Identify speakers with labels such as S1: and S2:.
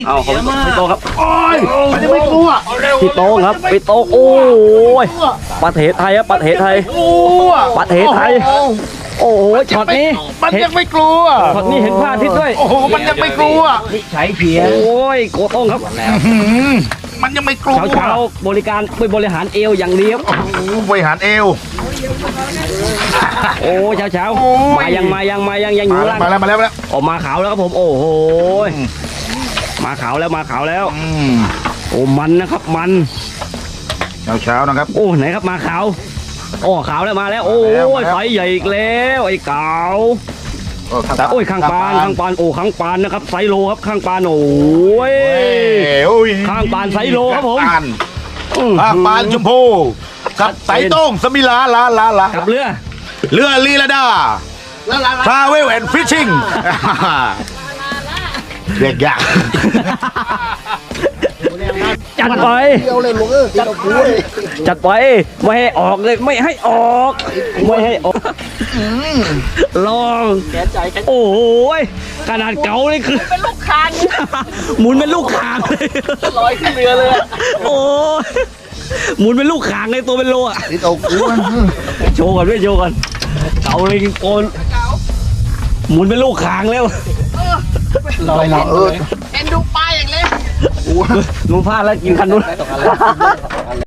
S1: เอาของพี่โตครับโอ้ย
S2: มันยังไม่กลัว
S1: พี่โตครับพี่โตโอ้ยประเทศไทยครับประเทศไทย
S2: กลัว
S1: ประเทศไทยโอ้โหช็อตนี้
S2: มันยังไม่กลัว
S1: ช็อตนี้เห็นพลาดทิศด้วย
S2: โอ้โหมันยังไม่กลัว
S3: ใช้เพียง
S1: โอ้ยโกโต้งครับ
S2: มันยังไม่กลัว
S1: เช้าๆบริการไปบริหารเอวอย่างเดียว
S2: โอ้โหบริหารเอว
S1: โอ้เช้า
S2: โอ้ย
S1: ๆมายังอยู่ล่าง
S2: มาแล้ว
S1: ออกมาขาวแล้วครับผมโอ้โหมาขาวแล้วโอ้มันนะครับมัน
S2: เช้านะครับ
S1: โอ้ไหนครับมาขาวโอ้ขาวแล้วมาแล้วโอ้
S2: มาแล้ว
S1: ยไฟใหญ่อีกแล้วไอ้เก๋าโอ้ยข้างปานโอ้ข้างปานนะครับไซโลครับข้างปานโอ้ย
S2: โอ้ย
S1: ข้างปานไซโลครับผม
S2: ข้างปานชมพูกับไสโต้งสมิลาลา
S1: กับเรือ
S2: เรือลีลาดาทราเวลแอนด์ฟิชชิ่งเรียกยาก
S1: จัดไปจัดไปไม่ให้ออกเลยไม่ให้ออกลองโอ้โหขนาดเก๋าเลยคือเป็นลูกคางหมุนเป็นลูกคางเลยลอยขึ้นเรือเลยโอ้ยหมุนเป็นลูกคางเลยตัวเป็นโลอ่ะโชว์ก่อนด้วยโชว์ก่อนเก๋าเลยโกนหมุนเป็นลูกคางแล้วลอยเอ็นดูป้ายอย่างเล็กหนูพลาดแล้วกินคันนู้น